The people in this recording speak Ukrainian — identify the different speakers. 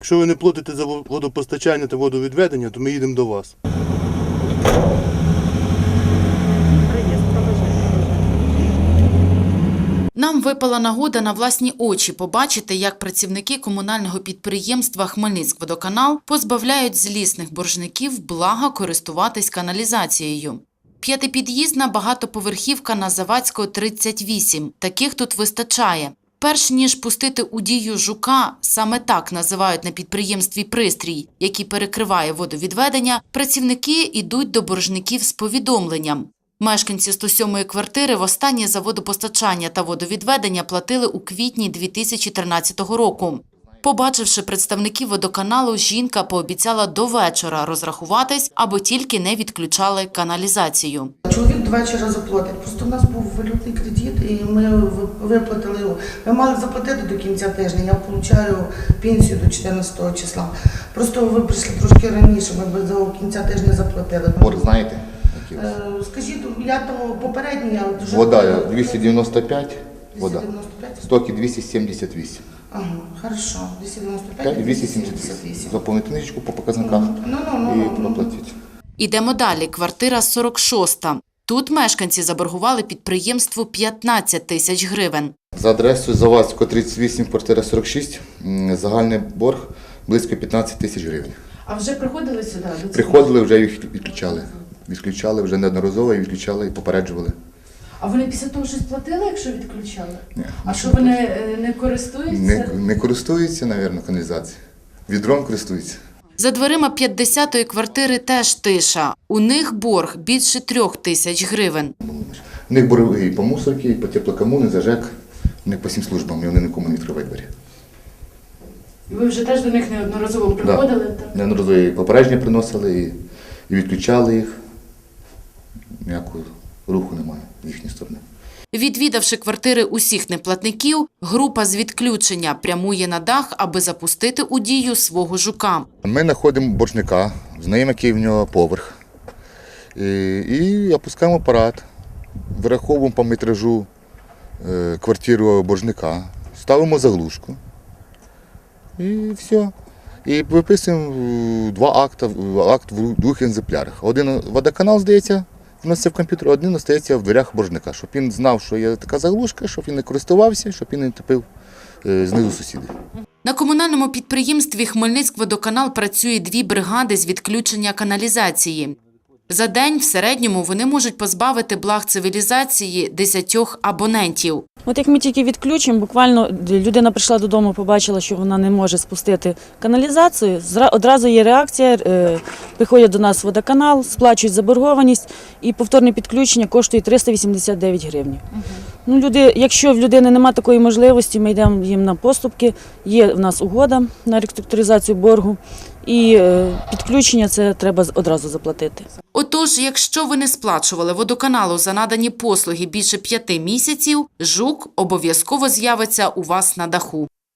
Speaker 1: Якщо ви не платите за водопостачання та водовідведення, то ми їдемо до вас.
Speaker 2: Нам випала нагода на власні очі побачити, як працівники комунального підприємства «Хмельницькводоканал» позбавляють злісних боржників блага користуватись каналізацією. П'ятипід'їзна багатоповерхівка на Завадського, 38. Таких тут вистачає. Перш ніж пустити у дію жука, саме так називають на підприємстві пристрій, який перекриває водовідведення, працівники йдуть до боржників з повідомленням. Мешканці 107-ї квартири востаннє за водопостачання та водовідведення платили у квітні 2013 року. Побачивши представників водоканалу, жінка пообіцяла до вечора розрахуватись, аби тільки не відключали каналізацію.
Speaker 3: Чоловік до вечора заплатить. Просто в нас був валютний кредит і ми виплатили його. Ми мали заплатити до кінця тижня, я отримую пенсію до 14 числа. Просто ви прийшли трошки раніше, ми б до кінця тижня заплатили.
Speaker 4: Борг знаєте?
Speaker 3: Скажіть, я тому попередній, я вже...
Speaker 4: Вода 295, вода.
Speaker 3: 295?
Speaker 4: Стоки 278.
Speaker 3: Ага, хорошо. 295
Speaker 4: і 278. Заповнити книжечку по показниках і проплатити.
Speaker 2: Ідемо далі. Квартира 46. Тут мешканці заборгували підприємству 15 тисяч гривень.
Speaker 4: За адресою Завадського, 38, квартира 46, загальний борг близько 15 тисяч гривень.
Speaker 5: А вже приходили сюди?
Speaker 4: Приходили, вже їх відключали. Відключали вже неодноразово, і відключали, і попереджували.
Speaker 5: А вони після того щось платили, якщо відключали?
Speaker 4: Ні.
Speaker 5: А що вони не користуються?
Speaker 4: Не користуються, мабуть, каналізацією. Відром користуються.
Speaker 2: За дверима 50-ї квартири теж тиша. У них борг більше 3 тисяч гривень.
Speaker 4: У них борги і по мусорці, і по теплокомуні, за ЖЕК. У них по 7 службам, і вони нікому не відкривають двері.
Speaker 5: І ви вже теж до них неодноразово приходили? Так?
Speaker 4: Неодноразово і попередження приносили, і відключали їх. Ніякого руху немає з їхньої сторони.
Speaker 2: Відвідавши квартири усіх неплатників, група з відключення прямує на дах, аби запустити у дію свого жука.
Speaker 4: Ми знаходимо боржника, знаємо, який в нього поверх. І опускаємо апарат, вираховуємо по метражу квартиру боржника, ставимо заглушку і все. І виписуємо 2 акти, акт в 2 екземплярах. Один водоканал, здається, вноситься в комп'ютер, один остається в дверях боржника, щоб він знав, що є така заглушка, щоб він не користувався, щоб він не топив знизу сусіди.
Speaker 2: На комунальному підприємстві «Хмельницькводоканал» працює 2 бригади з відключення каналізації. За день в середньому вони можуть позбавити благ цивілізації 10 абонентів.
Speaker 6: От як ми тільки відключимо, буквально людина прийшла додому, побачила, що вона не може спустити каналізацію, одразу є реакція, приходять до нас водоканал, сплачують заборгованість і повторне підключення коштує 389 гривень. Ну, якщо в людини немає такої можливості, ми йдемо їм на поступки, є в нас угода на реструктуризацію боргу і підключення це треба одразу заплатити.
Speaker 2: Отож, якщо ви не сплачували водоканалу за надані послуги більше 5 місяців, жук обов'язково з'явиться у вас на даху.